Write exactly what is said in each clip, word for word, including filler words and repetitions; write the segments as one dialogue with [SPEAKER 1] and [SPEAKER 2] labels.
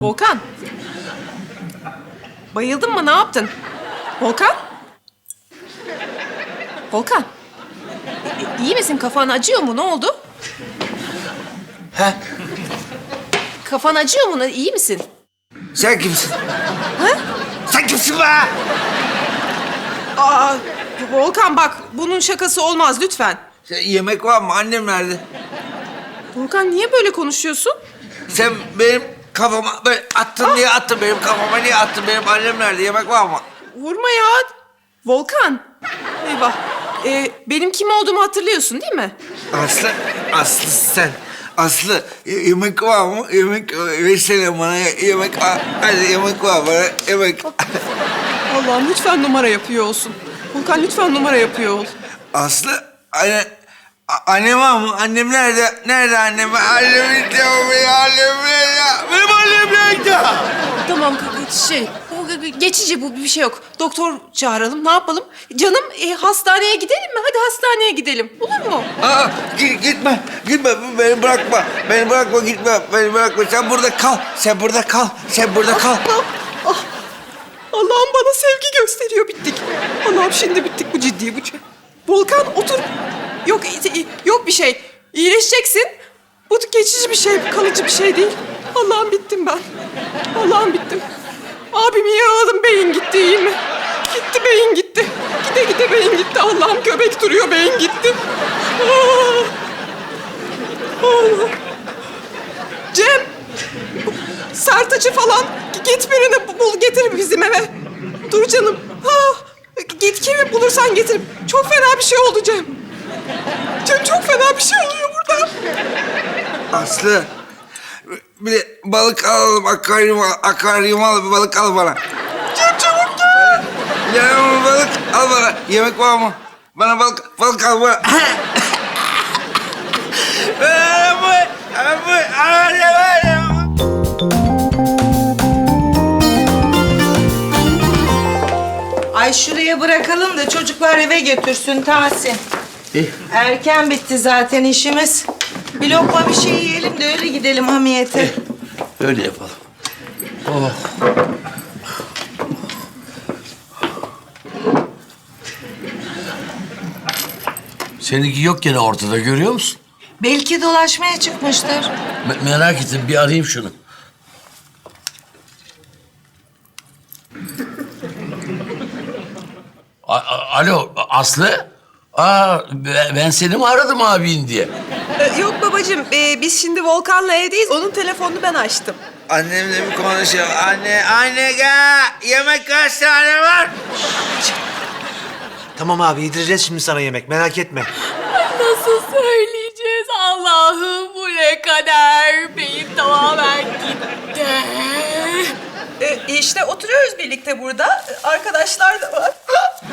[SPEAKER 1] Volkan. Bayıldın mı? Ne yaptın? Volkan? Volkan. İ- İyi misin? Kafan acıyor mu? Ne oldu?
[SPEAKER 2] He?
[SPEAKER 1] Kafan acıyor mu? İyi misin?
[SPEAKER 2] Sen kimsin?
[SPEAKER 1] Ha?
[SPEAKER 2] Sen kimsin be?
[SPEAKER 1] Aa, Volkan bak, bunun şakası olmaz lütfen.
[SPEAKER 2] Sen, yemek var mı? Annem nerede?
[SPEAKER 1] Volkan niye böyle konuşuyorsun?
[SPEAKER 2] Sen benim kafama böyle attın diye attın. Benim kafama niye attın? Benim annem nerede? Yemek var mı?
[SPEAKER 1] Vurma ya. Volkan. Eyvah. Ee, benim kim olduğumu hatırlıyorsun değil mi?
[SPEAKER 2] Aslı, Aslı sen. Aslı, y- yemek var mı? Yemek versene bana. Yemek var. Hadi yemek var bana. Yemek.
[SPEAKER 1] Allah'ım lütfen numara yapıyor olsun. Volkan lütfen numara yapıyor ol.
[SPEAKER 2] Aslı, anne... a- Annem var mı? Annem nerede? Nerede annem? Annem istiyor beni. Annem nerede? Benim annem nerede?
[SPEAKER 1] Tamam şey, bu geçici, bu bir şey yok. Doktor çağıralım, ne yapalım? Canım e, hastaneye gidelim mi? Hadi hastaneye gidelim. Olur mu?
[SPEAKER 2] Aa, git, gitme, gitme. Beni bırakma. Beni bırakma, gitme. Beni bırakma. Sen burada kal. Sen burada kal. Sen burada kal.
[SPEAKER 1] Ah, ah. Allah'ım bana sevgi gösteriyor, bittik. Allah'ım şimdi bittik, bu ciddi bu. Volkan otur. Yok, e, yok bir şey. İyileşeceksin. Bu geçici bir şey, kalıcı bir şey değil. Allah'ım bittim ben. Allah'ım bittim. Abimi yaraladım, beyin gitti, iyi mi? Gitti, beyin gitti. Gide gide beyin gitti. Allah'ım göbek duruyor, beyin gitti. Ah. Allah. Cem, bu Sertaç'ı falan git birini bul, getir bizim eve. Dur canım. Ha, git kimi bulursan getir. Çok fena bir şey oldu Cem. Cem çok fena bir şey oluyor burada.
[SPEAKER 2] Aslı, bir de balık alalım. Akvaryum al. Akvaryum al. Bir balık al bana.
[SPEAKER 1] Cem çabuk gel.
[SPEAKER 2] Ya balık al bana. Yemek var mı? Bana balık, balık al bana. Abi, abi, abi, abi.
[SPEAKER 3] Ay şuraya bırakalım da çocuklar eve götürsün Tahsin.
[SPEAKER 2] İyi.
[SPEAKER 3] Erken bitti zaten işimiz. Bir lokma bir şey yiyelim de öyle gidelim hamiyete.
[SPEAKER 4] Öyle yapalım. Oh. Seninki yok gene ortada, görüyor musun?
[SPEAKER 3] Belki dolaşmaya çıkmıştır.
[SPEAKER 4] Me- merak ettim, bir arayayım şunu. A- a- Alo, Aslı? Aa, be- ben seni mi aradım abin diye?
[SPEAKER 1] Ee, yok babacığım, ee, biz şimdi Volkan'la evdeyiz. Onun telefonunu ben açtım.
[SPEAKER 2] Annemle bir konuşalım. Anne, anne gel. Yemek kaç tane var?
[SPEAKER 5] Tamam abi yedireceğiz şimdi sana yemek merak etme.
[SPEAKER 6] Nasıl söyleyeceğiz Allah'ım, bu ne kadar, beyin tamamen gitti.
[SPEAKER 1] Ee, işte oturuyoruz birlikte burada. Arkadaşlar da var.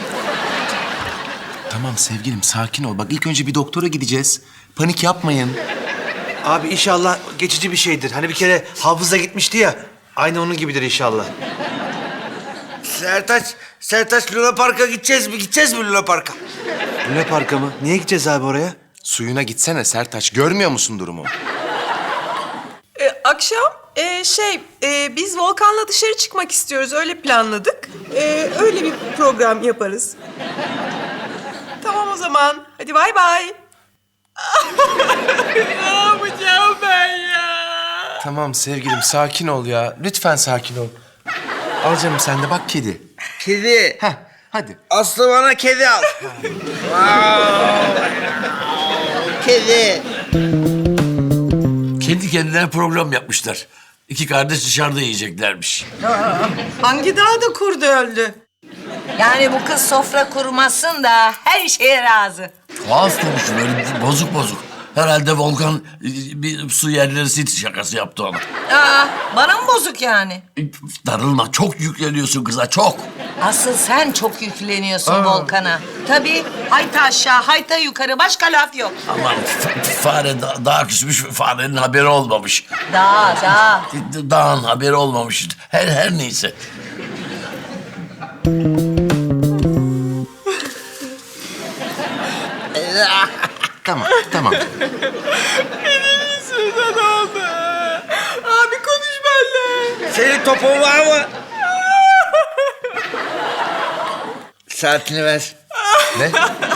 [SPEAKER 7] Tamam sevgilim sakin ol. Bak ilk önce bir doktora gideceğiz. Panik yapmayın.
[SPEAKER 5] Abi inşallah geçici bir şeydir. Hani bir kere hafıza gitmişti ya. Aynı onun gibidir inşallah.
[SPEAKER 2] Sertaç, Sertaç Luna Park'a gideceğiz mi? Gideceğiz mi Luna Park'a?
[SPEAKER 5] Luna Park'a mı? Niye gideceğiz abi oraya?
[SPEAKER 7] Suyuna gitsene Sertaç. Görmüyor musun durumu?
[SPEAKER 1] Ee, akşam ee, şey ee, biz Volkan'la dışarı çıkmak istiyoruz. Öyle planladık. Ee, öyle bir program yaparız. Tamam o zaman. Hadi bay bay.
[SPEAKER 6] Ne yapacağım ben ya?
[SPEAKER 7] Tamam sevgilim sakin ol ya. Lütfen sakin ol. Al canım sen de bak kedi.
[SPEAKER 2] Kedi.
[SPEAKER 7] Heh hadi.
[SPEAKER 2] Aslı bana kedi al. Kedi.
[SPEAKER 4] Kendi kendilerine program yapmışlar. İki kardeş dışarıda yiyeceklermiş.
[SPEAKER 3] Hangi dağda kurdu öldü? Yani bu kız sofra kurmasın da her şeye razı.
[SPEAKER 4] Tuhaf konuşuyor, böyle bozuk bozuk. Herhalde Volkan e, bir su yerleri sit şakası yaptı ona.
[SPEAKER 3] Aa, bana mı bozuk yani?
[SPEAKER 4] E, Darılma, çok yükleniyorsun kıza, çok.
[SPEAKER 3] Asıl sen çok yükleniyorsun Volkan'a. Tabii hayta aşağı, hayta yukarı, başka laf yok.
[SPEAKER 4] Aman f- f- fare da- daha küsmüş, farenin haberi olmamış.
[SPEAKER 3] Daha, daha.
[SPEAKER 4] D- Dağın haberi olmamış. Her her neyse.
[SPEAKER 7] Tamam tamam.
[SPEAKER 1] Abi konuş benimle.
[SPEAKER 2] Senin topun var mı? Saatini ver.
[SPEAKER 7] Ne?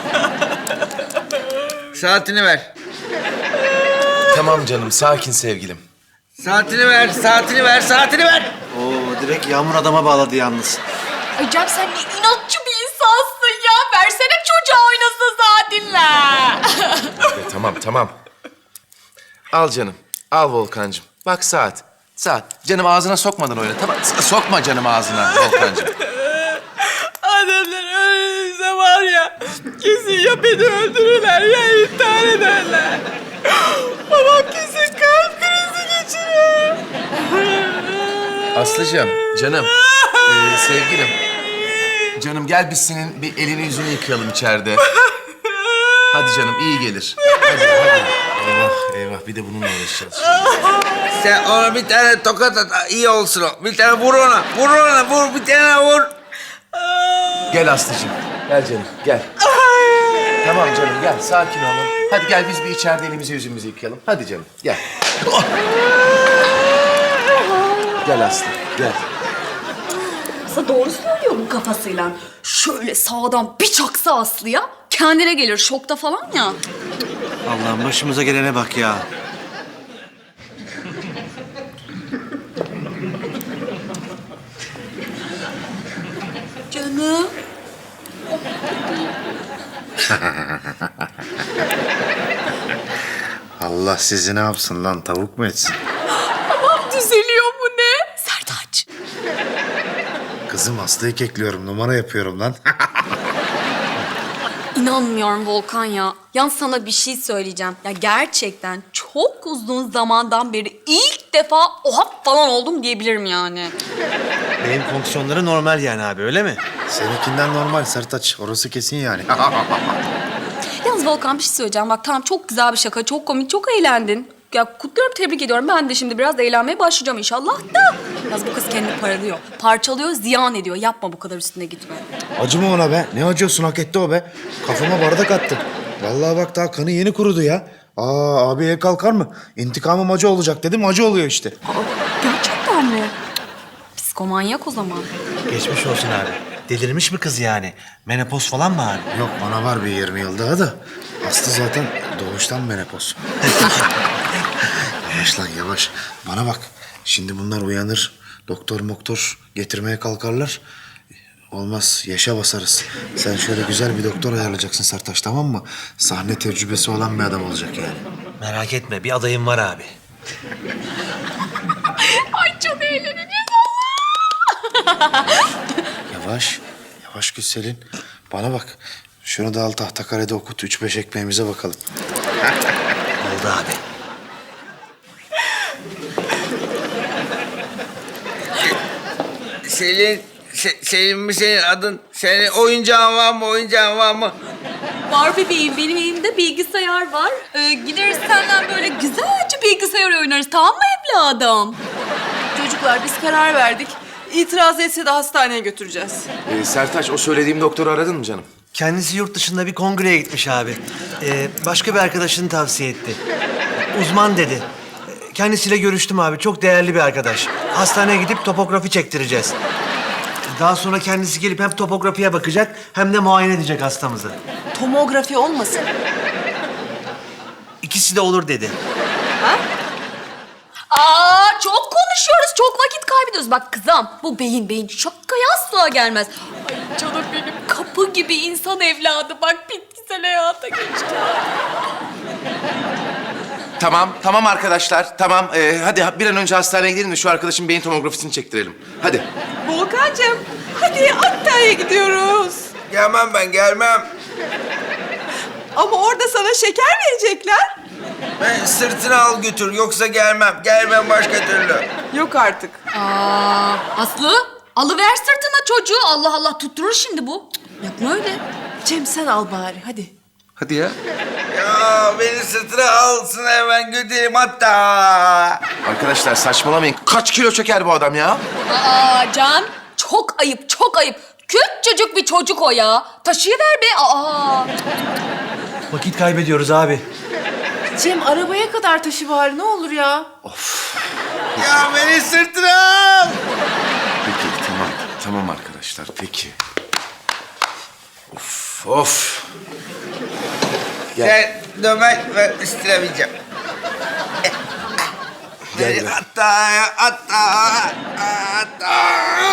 [SPEAKER 2] Saatini ver.
[SPEAKER 7] Tamam canım, sakin sevgilim.
[SPEAKER 2] Saatini ver, saatini ver, saatini ver.
[SPEAKER 5] Oo, direkt Yağmur adama bağladı yalnız.
[SPEAKER 6] Ay Cem sen ne inatçı bir insansın ya. Versene çocuğa oynasın saatinle.
[SPEAKER 7] E, tamam, tamam. Al canım, al Volkancığım. Bak saat, saat. Canım ağzına sokmadan oyna, tamam. S- Sokma canım ağzına Volkancığım.
[SPEAKER 1] Annemler öyleyse var ya, kesin ya beni öldürürler ya intihar ederler. Babam kesin kalp krizi geçirir.
[SPEAKER 7] Aslıcığım, canım, e, sevgilim. Canım gel biz senin bir elini yüzünü yıkayalım içeride. Hadi canım, iyi gelir. Hadi, hadi. Eyvah, eyvah. Bir de bununla uğraşacağız şimdi.
[SPEAKER 2] Sen ona bir tane tokat at, iyi olsun o. Bir tane vur ona, vur ona, vur bir tane vur.
[SPEAKER 7] Gel Aslıcığım. Gel canım, gel. Tamam canım, gel. Sakin olun. Hadi gel biz bir içeride elimizi yüzümüzü yıkayalım. Hadi canım, gel. Oh! Gel Aslı, gel.
[SPEAKER 8] Aslında doğru söylüyor bu kafasıyla. Şöyle sağdan bir çaksa Aslı'ya kendine gelir şokta falan ya.
[SPEAKER 5] Allah'ım başımıza gelene bak ya.
[SPEAKER 8] Canım.
[SPEAKER 9] Allah sizi ne yapsın lan? Tavuk mu etsin?
[SPEAKER 6] Düzeliyor bu ne?
[SPEAKER 8] Sertaç.
[SPEAKER 9] Kızım Aslı'yı kekliyorum. Numara yapıyorum lan.
[SPEAKER 8] İnanmıyorum Volkan ya. Yalnız sana bir şey söyleyeceğim. Ya gerçekten çok uzun zamandan beri ilk defa oha falan oldum diyebilirim yani.
[SPEAKER 5] Beyin fonksiyonları normal yani abi, öyle mi?
[SPEAKER 9] Seninkinden normal Sertaç. Orası kesin yani.
[SPEAKER 8] Yalnız Volkan bir şey söyleyeceğim. Bak tamam çok güzel bir şaka, çok komik, çok eğlendin. Ya kutluyorum, tebrik ediyorum. Ben de şimdi biraz eğlenmeye başlayacağım inşallah da. Yalnız bu kız kendini paralıyor. Parçalıyor, ziyan ediyor. Yapma bu kadar üstüne gitme.
[SPEAKER 9] Acıma ona be. Ne acıyorsun? Hak etti o be. Kafama bardak attı. Vallahi bak daha kanı yeni kurudu ya. Aa abi el kalkar mı? İntikamım acı olacak dedim. Acı oluyor işte.
[SPEAKER 8] Gerçekten mi? Psikomanyak o zaman.
[SPEAKER 5] Geçmiş olsun abi. Delirmiş mi kız yani? Menopoz falan mı abi?
[SPEAKER 9] Yok bana var bir yirmi yıl daha da. Aslı zaten doğuştan menopoz. Yavaş lan yavaş. Bana bak. Şimdi bunlar uyanır. Doktor moktor getirmeye kalkarlar. Olmaz. Yaşa basarız. Sen şöyle güzel bir doktor ayarlayacaksın Sertaç, tamam mı? Sahne tecrübesi olan bir adam olacak yani.
[SPEAKER 5] Merak etme, bir adayım var abi.
[SPEAKER 6] Ay çok eğleneceğiz.
[SPEAKER 9] Yavaş. Yavaş Gülselin. Bana bak. Şunu da al tahtakarede okut. Üç beş ekmeğimize bakalım.
[SPEAKER 5] Oldu abi.
[SPEAKER 2] Selin, Se- Selin mi senin adın? Senin oyuncağın var mı, oyuncağın var mı?
[SPEAKER 8] Var bebeğim, benim elimde bilgisayar var. Ee, gideriz senden böyle güzelce bilgisayar oynarız, tamam mı evladım?
[SPEAKER 1] Çocuklar biz karar verdik. İtiraz etse de hastaneye götüreceğiz.
[SPEAKER 7] Ee, Sertaç, o söylediğim doktoru aradın mı canım?
[SPEAKER 5] Kendisi yurt dışında bir kongreye gitmiş abi. Ee, başka bir arkadaşını tavsiye etti. Uzman dedi. Ee, Kendisiyle görüştüm abi. Çok değerli bir arkadaş. Hastaneye gidip topografi çektireceğiz. Daha sonra kendisi gelip hem topografiye bakacak hem de muayene edecek hastamızı.
[SPEAKER 1] Tomografi olmasın.
[SPEAKER 5] İkisi de olur dedi.
[SPEAKER 8] Aa çok konuşuyoruz, çok vakit kaybediyoruz. Bak kızım, bu beyin beyin şakaya asla gelmez.
[SPEAKER 6] Ay canım benim kapı gibi insan evladı. Bak bitkisel hayata geçti.
[SPEAKER 7] Tamam, tamam arkadaşlar. Tamam, ee, hadi bir an önce hastaneye gidelim de şu arkadaşın beyin tomografisini çektirelim. Hadi.
[SPEAKER 1] Volkancığım hadi Antalya'ya gidiyoruz.
[SPEAKER 2] Gelmem ben, gelmem.
[SPEAKER 1] Ama orada sana şeker verecekler.
[SPEAKER 2] Ben sırtını al götür, yoksa gelmem. Gelmem başka türlü.
[SPEAKER 1] Yok artık.
[SPEAKER 8] Aa Aslı, alıver sırtına çocuğu. Allah Allah, tutturur şimdi bu. Cık, yapma öyle.
[SPEAKER 1] Cem sen al bari hadi.
[SPEAKER 7] Hadi ya.
[SPEAKER 2] Ya beni sırtına alsın hemen götüreyim hatta.
[SPEAKER 7] Arkadaşlar saçmalamayın. Kaç kilo çeker bu adam ya?
[SPEAKER 8] Aa Can, çok ayıp, çok ayıp. Küçücük bir çocuk o ya. Taşıyıver be. Aa.
[SPEAKER 5] Vakit kaybediyoruz abi.
[SPEAKER 1] Cem arabaya kadar taşı bari ne olur ya.
[SPEAKER 2] Ya beni sırtına.
[SPEAKER 7] Peki tamam. Tamam arkadaşlar peki. Of of.
[SPEAKER 2] Sen dömen ben istiremeyeceğim. Beni hatta hatta hatta.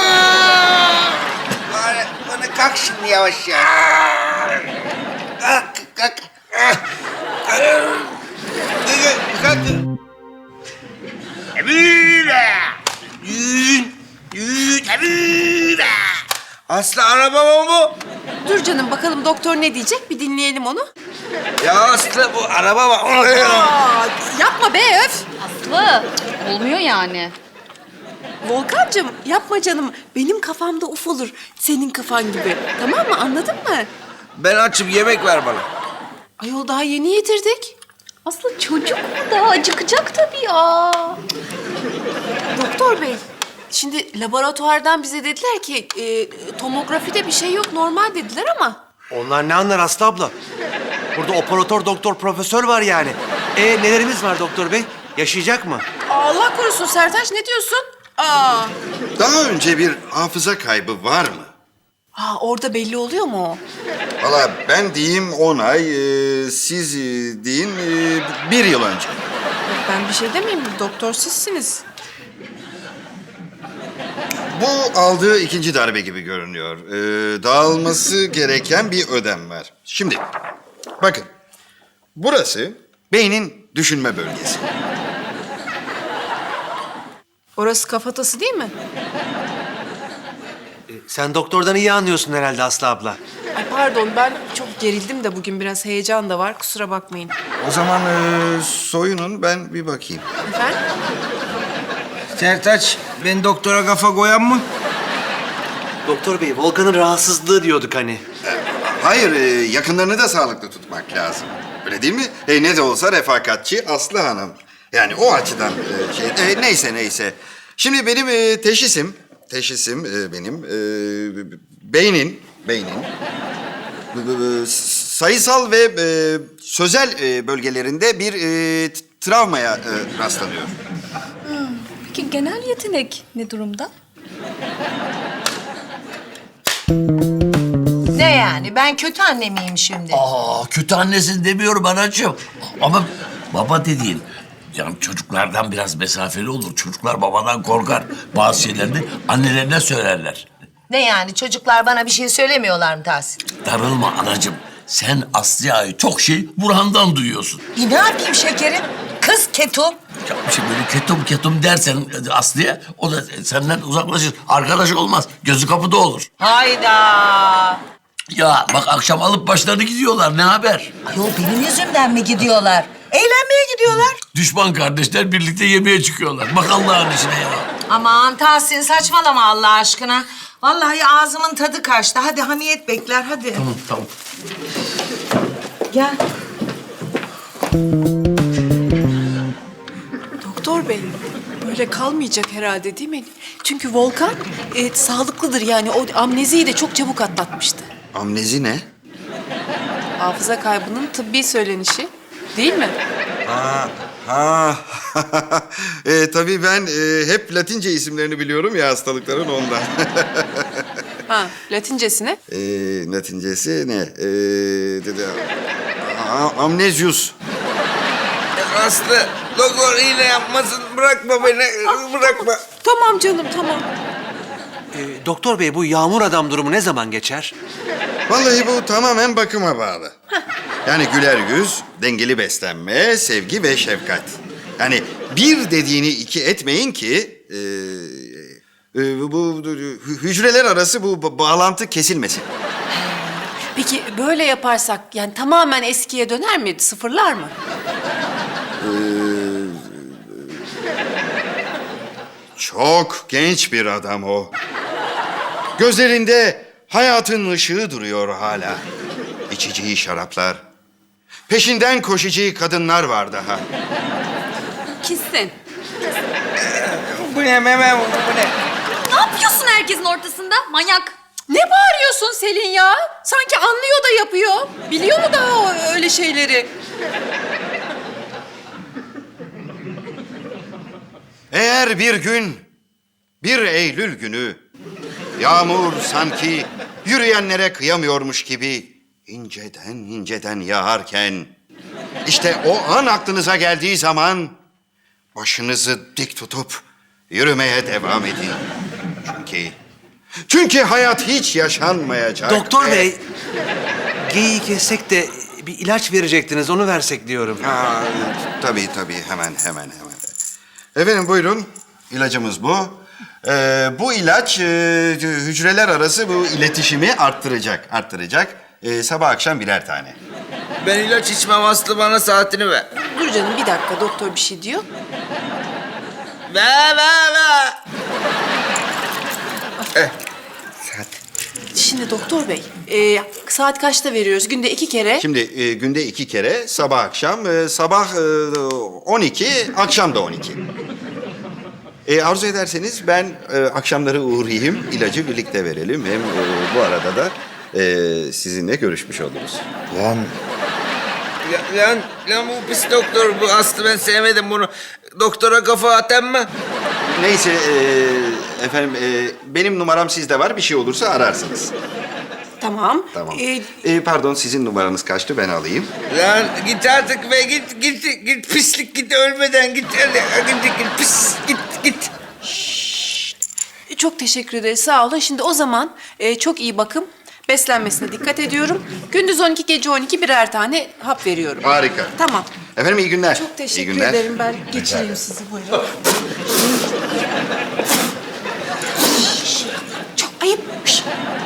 [SPEAKER 2] Bana, bana kalk şimdi yavaş ya. Kalk kalk. Kalk. Kalk. Emine. Yün. Yün. Emine. Aslı araba mı bu?
[SPEAKER 1] Dur canım bakalım doktor ne diyecek bir dinleyelim onu.
[SPEAKER 2] Ya Aslı bu araba mı?
[SPEAKER 1] Aa, yapma be öf.
[SPEAKER 8] Aslı olmuyor yani.
[SPEAKER 1] Volkancığım yapma canım. Benim kafamda uf olur. Senin kafan gibi. Tamam mı anladın mı?
[SPEAKER 2] Ben açım yemek ver bana.
[SPEAKER 1] Ayol daha yeni yedirdik.
[SPEAKER 8] Aslı çocuk mu daha acıkacak tabii ya.
[SPEAKER 1] Doktor bey, şimdi laboratuvardan bize dediler ki e, tomografide bir şey yok normal dediler ama.
[SPEAKER 5] Onlar ne anlar Aslı abla? Burada operatör, doktor, profesör var yani. E nelerimiz var doktor bey? Yaşayacak mı?
[SPEAKER 1] Allah korusun Sertaç ne diyorsun? Aa,
[SPEAKER 10] Daha önce bir hafıza kaybı var mı?
[SPEAKER 1] ha, orada belli oluyor mu o?
[SPEAKER 10] Valla ben diyeyim on ay, e, siz e, deyin e, bir yıl önce.
[SPEAKER 1] Ben bir şey demeyeyim doktor sizsiniz.
[SPEAKER 10] Bu aldığı ikinci darbe gibi görünüyor. E, dağılması gereken bir ödem var. Şimdi bakın, burası beynin düşünme bölgesi.
[SPEAKER 1] Orası kafatası değil mi?
[SPEAKER 5] E, sen doktordan iyi anlıyorsun herhalde Aslı abla.
[SPEAKER 1] Ay pardon ben çok gerildim de bugün biraz heyecan da var kusura bakmayın.
[SPEAKER 10] O zaman e, soyunun, ben bir bakayım.
[SPEAKER 1] Efendim?
[SPEAKER 2] Sertaç, ben doktora kafa koyan mı?
[SPEAKER 5] Doktor bey, Volkan'ın rahatsızlığı diyorduk hani.
[SPEAKER 10] Hayır, e, yakınlarını da sağlıklı tutmak lazım. Öyle değil mi? E, ne de olsa refakatçi Aslı Hanım. Yani o açıdan e, şey... e, neyse neyse. Şimdi benim e, teşhisim, teşhisim e, benim e, beynin, beynin b- b- b- sayısal ve e, sözel e, bölgelerinde bir e, t- travmaya e, rastlanıyor.
[SPEAKER 8] Peki genel yetenek ne durumda?
[SPEAKER 3] Ne yani? Ben kötü anne miyim şimdi?
[SPEAKER 4] Aa, kötü annesin demiyorum anacığım. Ama baba dediğin, yani çocuklardan biraz mesafeli olur. Çocuklar babadan korkar. Bazı şeylerini annelerine söylerler.
[SPEAKER 3] Ne yani? Çocuklar bana bir şey söylemiyorlar mı Tahsin?
[SPEAKER 4] Darılma anacığım. Sen Aslı'ya çok şey Burhan'dan duyuyorsun.
[SPEAKER 3] E ne yapayım şekerim? Kız ketum.
[SPEAKER 4] Ya işte böyle ketum ketum dersen Aslı'ya, o da senden uzaklaşır. Arkadaş olmaz. Gözü kapıda olur.
[SPEAKER 3] Hayda.
[SPEAKER 4] Ya bak akşam alıp başlarını gidiyorlar. Ne haber?
[SPEAKER 3] Ayol benim yüzümden mi gidiyorlar? Eğlenmeye gidiyorlar.
[SPEAKER 4] Düşman kardeşler birlikte yemeğe çıkıyorlar. Bak Allah'ın işine ya.
[SPEAKER 3] Aman Tahsin saçmalama Allah aşkına. Vallahi ağzımın tadı kaçtı. Hadi hamiyet bekler hadi.
[SPEAKER 4] Tamam tamam.
[SPEAKER 3] Gel.
[SPEAKER 1] Doktor bey böyle kalmayacak herhalde değil mi? Çünkü Volkan e, sağlıklıdır yani o amneziyi de çok çabuk atlatmıştı.
[SPEAKER 10] Amnezi ne?
[SPEAKER 1] Hafıza kaybının tıbbi söylenişi değil mi?
[SPEAKER 10] Ha, ha. e, tabii ben e, hep Latince isimlerini biliyorum ya hastalıkların ondan.
[SPEAKER 1] Ha latincesine.
[SPEAKER 10] e, Latincesi ne? E, dedi, a- amnezyus.
[SPEAKER 2] Aslı, doktor iğne yapmasın. Bırakma beni, bırakma.
[SPEAKER 1] Tamam canım tamam.
[SPEAKER 5] E, doktor bey, bu yağmur adam durumu ne zaman geçer?
[SPEAKER 10] Vallahi bu tamamen bakıma bağlı. Yani güler yüz, dengeli beslenme, sevgi ve şefkat. Yani bir dediğini iki etmeyin ki... E, e, bu, bu hü- hücreler arası bu ba- bağlantı kesilmesin.
[SPEAKER 1] Peki böyle yaparsak yani tamamen eskiye döner mi? Sıfırlar mı?
[SPEAKER 10] Çok genç bir adam o. Gözlerinde hayatın ışığı duruyor hala. İçeceği şaraplar. Peşinden koşacağı kadınlar var daha.
[SPEAKER 1] Kesin.
[SPEAKER 2] Bu ne meme bu, bu ne?
[SPEAKER 8] Ne yapıyorsun herkesin ortasında? Manyak.
[SPEAKER 1] Ne bağırıyorsun Selin ya? Sanki anlıyor da yapıyor. Biliyor mu daha o öyle şeyleri?
[SPEAKER 10] Eğer bir gün, bir Eylül günü, yağmur sanki yürüyenlere kıyamıyormuş gibi inceden inceden yağarken, işte o an aklınıza geldiği zaman başınızı dik tutup yürümeye devam edin. Çünkü, çünkü hayat hiç yaşanmayacak.
[SPEAKER 5] Doktor
[SPEAKER 10] ve-
[SPEAKER 5] bey, geyiği kessek de bir ilaç verecektiniz, onu versek diyorum.
[SPEAKER 10] Aa, tabii tabii, hemen hemen hemen. Efendim buyurun, ilacımız bu. Ee, bu ilaç e, hücreler arası bu iletişimi arttıracak, arttıracak. Ee, sabah akşam birer tane.
[SPEAKER 2] Ben ilaç içmem Aslı, bana saatini ver.
[SPEAKER 1] Dur canım bir dakika doktor bir şey diyor.
[SPEAKER 2] Ver ver ver. Eh, saat.
[SPEAKER 1] Şimdi doktor bey, e, saat kaçta veriyoruz? Günde iki kere.
[SPEAKER 10] Şimdi e, günde iki kere, sabah akşam, e, sabah e, on iki, akşam da on iki. E, arzu ederseniz ben e, akşamları uğrayayım, ilacı birlikte verelim. Hem e, bu arada da e, sizinle görüşmüş oluruz.
[SPEAKER 9] Lan
[SPEAKER 2] Ya- Lan, lan bu pis doktor bu Aslı, ben sevmedim bunu. Doktora kafa atan mı?
[SPEAKER 10] Neyse e, efendim e, benim numaram sizde var, bir şey olursa ararsınız.
[SPEAKER 1] Tamam.
[SPEAKER 10] Tamam.
[SPEAKER 1] E,
[SPEAKER 10] E, pardon, sizin numaranız kaçtı, ben alayım.
[SPEAKER 2] Lan git artık be, git git git pislik, git ölmeden git, hadi hadi git pis, git git.
[SPEAKER 1] çok teşekkür ederiz, sağ olun. Şimdi o zaman e, çok iyi bakım, beslenmesine dikkat ediyorum. Gündüz on iki, gece on iki birer tane hap veriyorum.
[SPEAKER 10] Harika.
[SPEAKER 1] Tamam.
[SPEAKER 10] Efendim iyi günler.
[SPEAKER 1] Çok
[SPEAKER 10] İyi
[SPEAKER 1] teşekkür
[SPEAKER 10] günler.
[SPEAKER 1] ederim. Ben geçireyim sizi, buyurun. Şş, çok ayıp. Şş.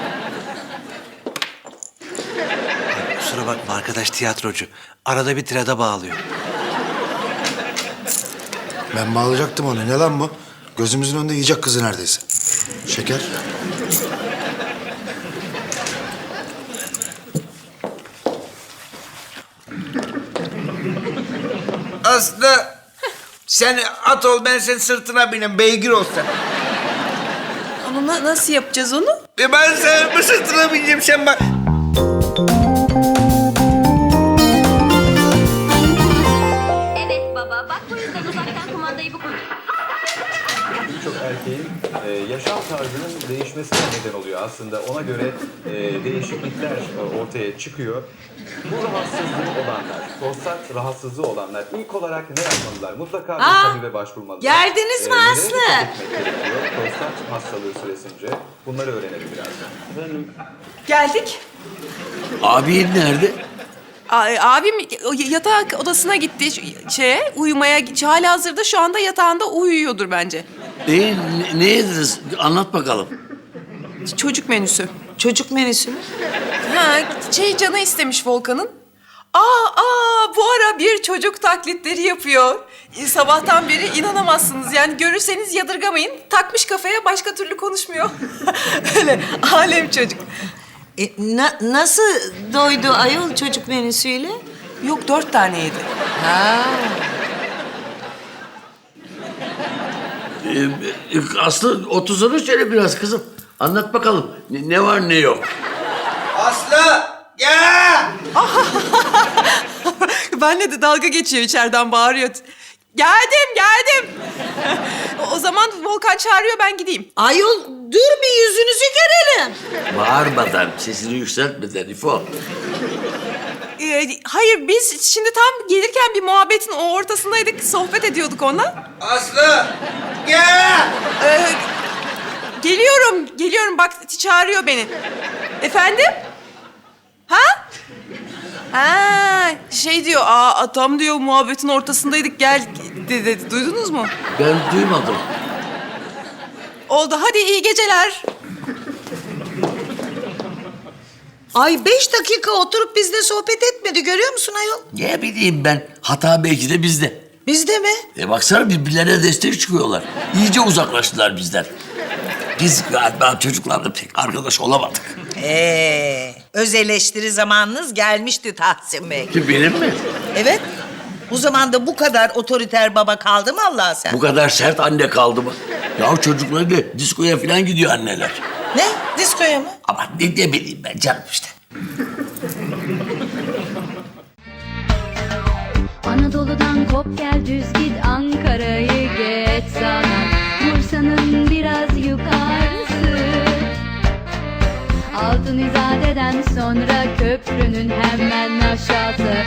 [SPEAKER 5] Kusura bakma, arkadaş tiyatrocu. Arada bir tirada bağlıyor.
[SPEAKER 9] ben bağlayacaktım onu. Ne lan bu? Gözümüzün önünde yiyecek kızı neredeyse. Şeker.
[SPEAKER 2] Aslı, sen at ol, ben senin sırtına binem, beygir ol sen.
[SPEAKER 1] Ama na- nasıl yapacağız onu?
[SPEAKER 2] E ben senin bu sırtına bineceğim, sen bak.
[SPEAKER 11] Evet baba, bak bu yüzden uzaktan kumandayı bu
[SPEAKER 12] Birçok erkeğin e, yaşam tarzının değişmesine neden oluyor aslında. Ona göre e, değişiklikler e, ortaya çıkıyor. Bu rahatsızlığı olanlar, prostat rahatsızlığı olanlar ilk olarak ne yapmalılar? Mutlaka bir
[SPEAKER 3] Aa,
[SPEAKER 12] tabibe başvurmalılar.
[SPEAKER 3] geldiniz mi
[SPEAKER 12] nelere
[SPEAKER 3] Aslı?
[SPEAKER 12] dikkat etmek gerekiyor? Prostat hastalığı süresince bunları öğrenelim birazdan. Efendim,
[SPEAKER 1] Geldik.
[SPEAKER 4] Abin nerede?
[SPEAKER 1] A- abim o yatak odasına gitti ş- şeye, uyumaya. Hala hazırda şu anda yatağında uyuyordur bence.
[SPEAKER 4] E, ne, ne yediniz? Anlat bakalım.
[SPEAKER 1] Çocuk menüsü.
[SPEAKER 3] Çocuk menüsü mü?
[SPEAKER 1] Ha, şey canı istemiş Volkan'ın. Aa, aa, bu ara bir çocuk taklitleri yapıyor. E, Sabahtan beri inanamazsınız. Yani görürseniz yadırgamayın. Takmış kafaya, başka türlü konuşmuyor. Öyle alem çocuk.
[SPEAKER 3] E, na- nasıl doydu ayol çocuk menüsüyle?
[SPEAKER 1] Yok, dört tane yedi.
[SPEAKER 3] Ha.
[SPEAKER 4] E, e, Aslı otursana şöyle biraz kızım. Anlat bakalım. Ne, ne var ne yok.
[SPEAKER 2] Aslı, gel.
[SPEAKER 1] Benle de dalga geçiyor, içeriden bağırıyor. Geldim, geldim. O zaman Volkan çağırıyor, ben gideyim.
[SPEAKER 3] Ayol dur bir yüzünüzü görelim.
[SPEAKER 4] Bağırmadan, sesini yükseltmeden İfo.
[SPEAKER 1] Ee, hayır, biz şimdi tam gelirken bir muhabbetin o ortasındaydık, sohbet ediyorduk onunla.
[SPEAKER 2] Aslı, gel.
[SPEAKER 1] Ee, geliyorum, geliyorum. Bak çağırıyor beni. Efendim? Ha? Ha, şey diyor, aa tam diyor muhabbetin ortasındaydık, gel dedi, dedi. Duydunuz mu?
[SPEAKER 4] Ben duymadım.
[SPEAKER 1] Oldu, hadi iyi geceler.
[SPEAKER 3] Ay beş dakika oturup bizle sohbet etmedi, görüyor musun ayol?
[SPEAKER 4] Ne bileyim ben. Hata belki de bizde.
[SPEAKER 3] Bizde mi?
[SPEAKER 4] E baksana birbirlerine destek çıkıyorlar. İyice uzaklaştılar bizden. Biz galiba çocuklarla pek arkadaş olamadık.
[SPEAKER 3] Ee, öz eleştiri zamanınız gelmişti Tahsin Bey.
[SPEAKER 4] Ki benim mi?
[SPEAKER 3] Evet. Bu zamanda bu kadar otoriter baba kaldı mı Allah sen?
[SPEAKER 4] Bu kadar sert anne kaldı mı? Ya çocukları diskoya falan gidiyor anneler.
[SPEAKER 3] Ne? Diskoya mı?
[SPEAKER 4] Ama ne, ne bileyim ben canım işte.
[SPEAKER 11] Anadolu'dan hop gel düz git Ankara'yı geç sana, Bursa'nın biraz yukarısı. Altın İzade'den sonra köprünün hemen aşağısı.